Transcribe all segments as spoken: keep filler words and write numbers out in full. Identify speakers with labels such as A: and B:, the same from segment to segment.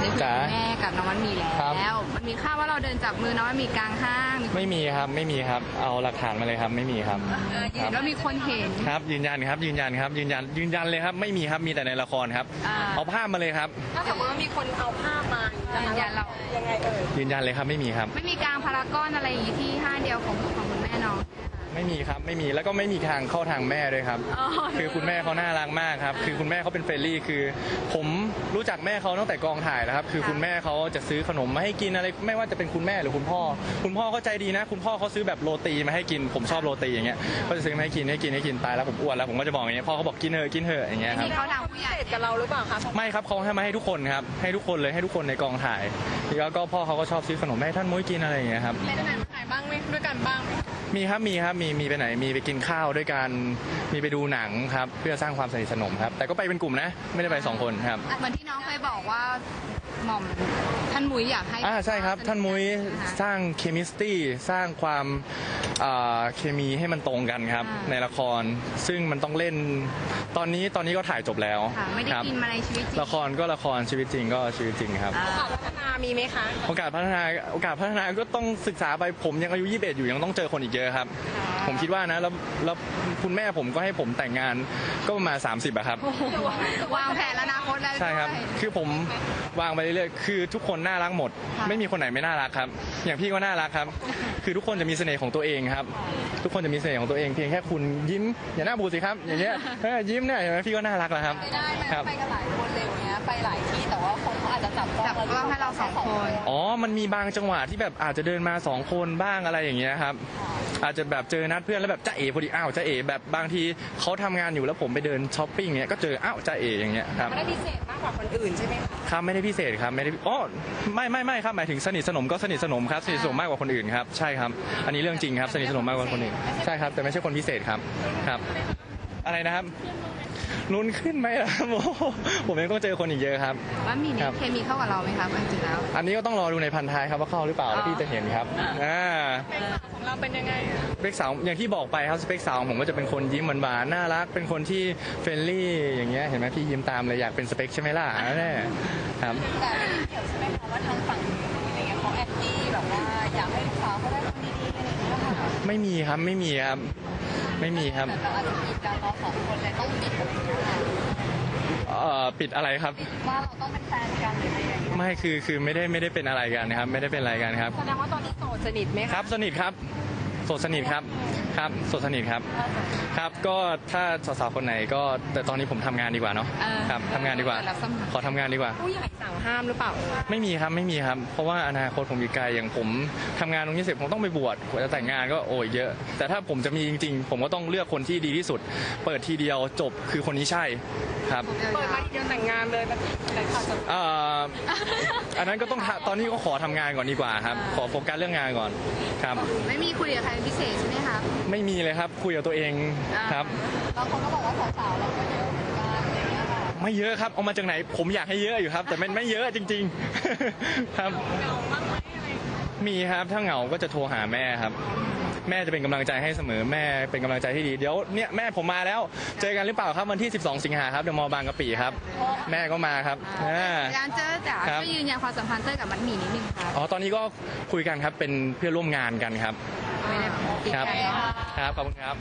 A: คุยกับแม่กับน้องมันมีแล้วมันมีข่าวว่าเราเดินจับมือน้องมันมีกลางห้าง
B: ไม่มีครับไม่มีครับเอาหลักฐานมาเลยครับไม่มีครับ
A: แล้วมีคนเห็น
B: ครับยืนยันครับยืนยันครับยืนยันยืนยันเลยครับไม่มีครับมีแต่ในละครครับเอาภาพมาเลยครับ
C: ถ้าสมมติว่ามีคนเอาภาพมา
A: ยืนยันเรา
C: ยังไงเอ่ย
B: ยืนยันเลยครับไม่มีครับ
A: ไม่มีกลางพารากอนอะไรอย่างนี้ที่ห้างเดียวของของคุณแม่น้อง
B: ไม่มีครับไม่มีแล้วก็ไม่มีทางเข้าทางแม่ด้วยครับคือคุณแม่เขาน่ารักมากครับคือคุณแม่เขาเป็นเฟรนลี่คือผมรู้จักแม่เขาตั้งแต่กองถ่ายแล้วครับคือคุณแม่เขาจะซื้อขนมมาให้กินอะไรไม่ว่าจะเป็นคุณแม่หรือคุณพ่อคุณพ่อเขาใจดีนะคุณพ่อเขาซื้อแบบโรตีมาให้กินผมชอบโรตีอย่างเงี้ยเขาจะซื้อมาให้กินให้กินให้กินตายแล้วผมอ้วนแล้วผมก็จะบอกอย่างเงี้ยพ่อเขาบอกกินเถอะกินเถอะอย่างเงี้ยครับ
A: เขาดังผู้ใหญ่
C: กับเราหรือเปล่าครับ
B: ไม่ครับเขาให้มาให้ทุกคนครับให้ทุกคนเลยให้ทุกคนในกองถ่ายแล้วก็พ่อเขาก็ชอบซื้อขนมให้ท่านมุ้ยกินอะไรอย่างเงี้ยครับ
C: ไปไหนมาไหนบ้างไหมด้วยกันบ้าง
B: มีครับมีครับมีมีไปไหนมีไปกินข้าวด้วยกันมีไปดูหนังครับเพื่อสร้างความสนิทสนมครับแต่ก็ไปเป็นกลุ่มนะไม่ได้ไปสองคนครับ
A: เหมือนที่น้องเคยบอกว่าหม่อมท่านมุ้ยอยากให้
B: อ่าใช่ครับท่านมุ้ยสร้างเคมิสตี้สร้างความเคมีให้มันตรงกันครับในละครซึ่งมันต้องเล่นตอนนี้ตอนนี้ก็ถ่ายจบแล้ว
A: ไม่ได้กินมาในชีวิตจริง
B: ละครก็ละครชีวิตจริงก็ชีวิตจริงครับ
C: โอกาสพัฒนามีไหมคะ
B: โอกาสพัฒนาโอกาสพัฒนาก็ต้องศึกษาไปผมยังอายุยี่สิบเอ็ดอยู่ยังต้องเจอคนอีกเยอะครับผมคิดว่านะแล้วแล้วคุณแม่ผมก็ให้ผมแต่งงานก็ประมาณสามสิบอะครับ
A: วางแผนอนาคตแล้ว
B: ใช่ครับคือผมวางไปเรื่อยๆคือทุกคนน่ารักหมดไม่มีคนไหนไม่น่ารักครับอย่างพี่ก็น่ารักครับคือทุกคนจะมีเสน่ห์ของตัวเองครับทุกคนจะมีเสน่ห์ของตัวเองเพียงแค่คุณยิ้มอย่าหน้าบูดสิครับอย่างเงี้ยยิ้มเนี่ยเห็นไหมพี่ก็น่ารักแล้วครับ
C: ได้ไหมไปกันหลายคนเร็วเนี้ยไปหลายที่แต่ว่าคนเขาอาจจะจับ
A: จับกล้องให้เราสองคน
B: อ๋อมันมีบางจังหวะที่แบบอาจจะเดินมาสองคนบ้างอะไรอย่างเงี้ยครับอาจจะแบบเจอนัดเพื่อนแล้วแบบจ้าเอ๋พอดีอ้าวจ้าเอ๋แบบบางทีเขาทำงานอยู่แล้วผมไปเดินช้อปปิ้งเงี้ยก็เจออ้าวจ้าเอ๋อย่างเงี้ยครับ
C: ไม่ได้พิเศษมากกว่าคนอื่นใช่ไหม
B: ครับไม่ได้พิเศษครับไม่ได้อ๋อไม่ไม่ไม่ครับหมายถึงสนิทสนมก็สนิทสนมครับสนิทสนมมากกว่าคนอื่นครับใช่ครับอันนี้เรื่องจริงครับสนิทสนมมากกว่าคนอื่นใช่ครับแต่ไม่ใช่คนพิเศษครับครับอะไรนะครับลุ้นขึ้นไหมล่ะผมยังต้องเจอคนอีกเยอะครับ
A: ว่ามีนี่เคมีเข้ากับเราไหมครับจริงๆแล้ว
B: อันนี้ก็ต้องรอดูในพันท้ายครับว่าเข้าหรือเปล่าแล้วพี่จะเห็นครับอ่า
C: ของเราเป็นยังไง
B: สเปคสาวอย่างที่บอกไปครับสเปคสาวผมก็จะเป็นคนยิ้มหวานๆน่ารักเป็นคนที่เฟรนลี่อย่างเงี้ยเห็นไหมพี่ยิ้มตามเลยอยากเป็นสเปคใช่ไหมล่ะแน่ครับ
C: แต่เกี่ยวใช่ไหมคะว่าทางฝั่งอะไรเงี้ยเขาแอนตี้แบบว่าอยากให้ลูกสาวเขาได้คนดีๆอะไรอย่างเงี้ยค่ะ
B: ไม่มีครับไม่มีครับไม่มีครับ
C: แต่อาจจะปิดการเราสองคนเลยต้องปิดอะไรอย่างเงี้ย
B: เอ่อปิดอะไรครับ
C: ว่าเราต้องเป็นแฟนกันหรืออะไรอย่างเงี้ย
B: ไม่คือคือไม่ได้ไม่ได้เป็นอะไรกันนะครับไม่ได้เป็นอะไรกันครับ
C: แสดงว่าตอนนี้โสดสนิทไหม
B: ครับสนิทครับโสดสนิทครับครับโสดสนิทครับครับก็ถ้าสาวๆคนไหนก็แต่ตอนนี้ผมทำงานดีกว่าเนาะครับทำงานดีกว่าขอทำงานดีกว่า
C: ผู้ใหญ่สั่งห้ามหรือเปล่า
B: ไม่มีครับไม่มีครับเพราะว่าอนาคตผมอีกไกลอย่างผมทำงานตรงนี้เสร็จผมต้องไปบวชกว่าจะแต่งงานก็โอ้ยเยอะแต่ถ้าผมจะมีจริงๆผมก็ต้องเลือกคนที่ดีที่สุดเปิดทีเดียวจบคือคนนี้ใช่ครับ
C: เปิดมาทีเดียวแต่งงานเลยแบบแต่ขาดจบ
B: อ่าอันนั้นก็ต้องตอนนี้ก็ขอทำงานก่อนดีกว่าครับขอโฟกัสเรื่องงานก่อนครับ
A: ไม่มีคุยกับใครพิเศษใช่ไหมคะ
B: ไม่มีเลยครับคุยกับตัวเองครับ
C: บางคนก็บอกว่าสาวๆเราก็เยอะ
B: ไม่เยอะครับเอามาจากไหนผมอยากให้เยอะอยู่ครับแต่มันไม่เยอะจริงๆครับมีครับถ้าเหงาก็จะโทรหาแม่ครับแม่จะเป็นกำลังใจให้เสมอแม่เป็นกำลังใจที่ดีเดี๋ยวเนี่ยแม่ผมมาแล้วเจอกันหรือเปล่าครับวันที่สิบสองสิงหาครับเดอะมอลล์บางกะปิครับแม่ก็มาครับ
A: การเจอจ๋าช่วยยืนยันความสัมพันธ์เต้ยกับมัดหมี่นิดนึงครับ
B: อ๋อตอนนี้ก็คุยกันครับเป็นเพื่อนร่วมงานกันครับครับครับขอบคุณครับ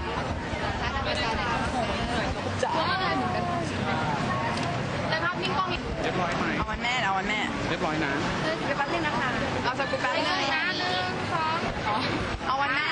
A: จ้าแต่ภาพนิ่งกล้อง
D: เรียบร้อยไหม
C: เอาวันแม่เอาวันแม่
D: เรียบร้อยนะ
C: เดี๋ยวแป๊บนึงนะคะเอาสกู๊ปแป๊บนึงนะหนึ่งสองเอาวันแม่